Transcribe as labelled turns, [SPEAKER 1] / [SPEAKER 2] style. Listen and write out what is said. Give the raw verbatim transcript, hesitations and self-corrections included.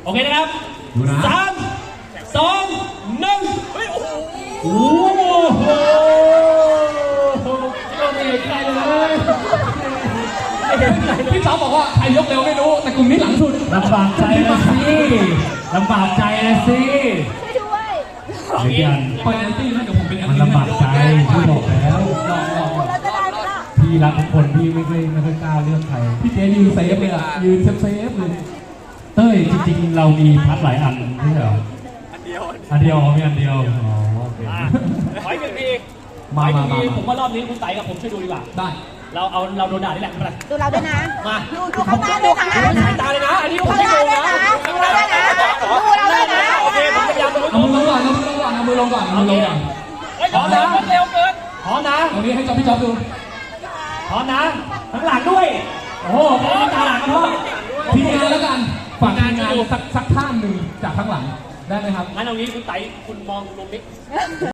[SPEAKER 1] โอเคนะครับสามสองหนึ่งเฮ้ยโอ้โหโอ้โหเราไม่เห็นใครเลยพี่สาวบอกว่าใครยกเร็วไม่รู้แต่กลุ่มนี้หลังสุดลำบากใจนะสิลำบากใจนะสิ
[SPEAKER 2] ช่วยด้วย
[SPEAKER 1] เอางี้คอยแอนตี้นะเดี๋ยวผมเป็นแอนตี้มันลำบากใจพี่บอกแล้วพี่รักทุกคนพี่ไม่เคยไม่เคยกล้าเลือกใครพี่เจยืนเซฟเลยอ่ะยืนเซฟเซฟเลยเต้ยจริงๆเรามีพัดหลายอันไม่ใช่เหรออันเดียวอันเดียวมีอันเดียวอ๋อโอเคขออีกหนึ่งทีมามามาผมว่ารอบนี้คุณไต่กับผมช่วยดูดีกว่าได้เราเอาเราโดนด่านี่แหละมา
[SPEAKER 2] ดูเราด้วยนะ
[SPEAKER 1] มา
[SPEAKER 2] ดูดูข้างหน้าด้วยนะ
[SPEAKER 1] ดูสายตาเลยนะอันนี้ผมไม่โกงนะ
[SPEAKER 2] ดูเราด้วยนะดูเราด้วยนะ
[SPEAKER 1] โอเคผมพยายามเอามือลงก่อนเอามือลงก่อนเอามือลงก่อนเอามือลงก่อนพร้อมนะเร็วเกินพร้อมนะตรงนี้ให้จ๊อบพี่จ๊อบดูพร้อมนะข้างหลังด้วยโอ้โหพร้อมข้างหลังด้วยทีมงานแล้วกันฝากงานสักสักท่านหนึ่งจากข้างหลังได้ไหมครับงั้นเอางี้คุณไต่คุณมองลงนิด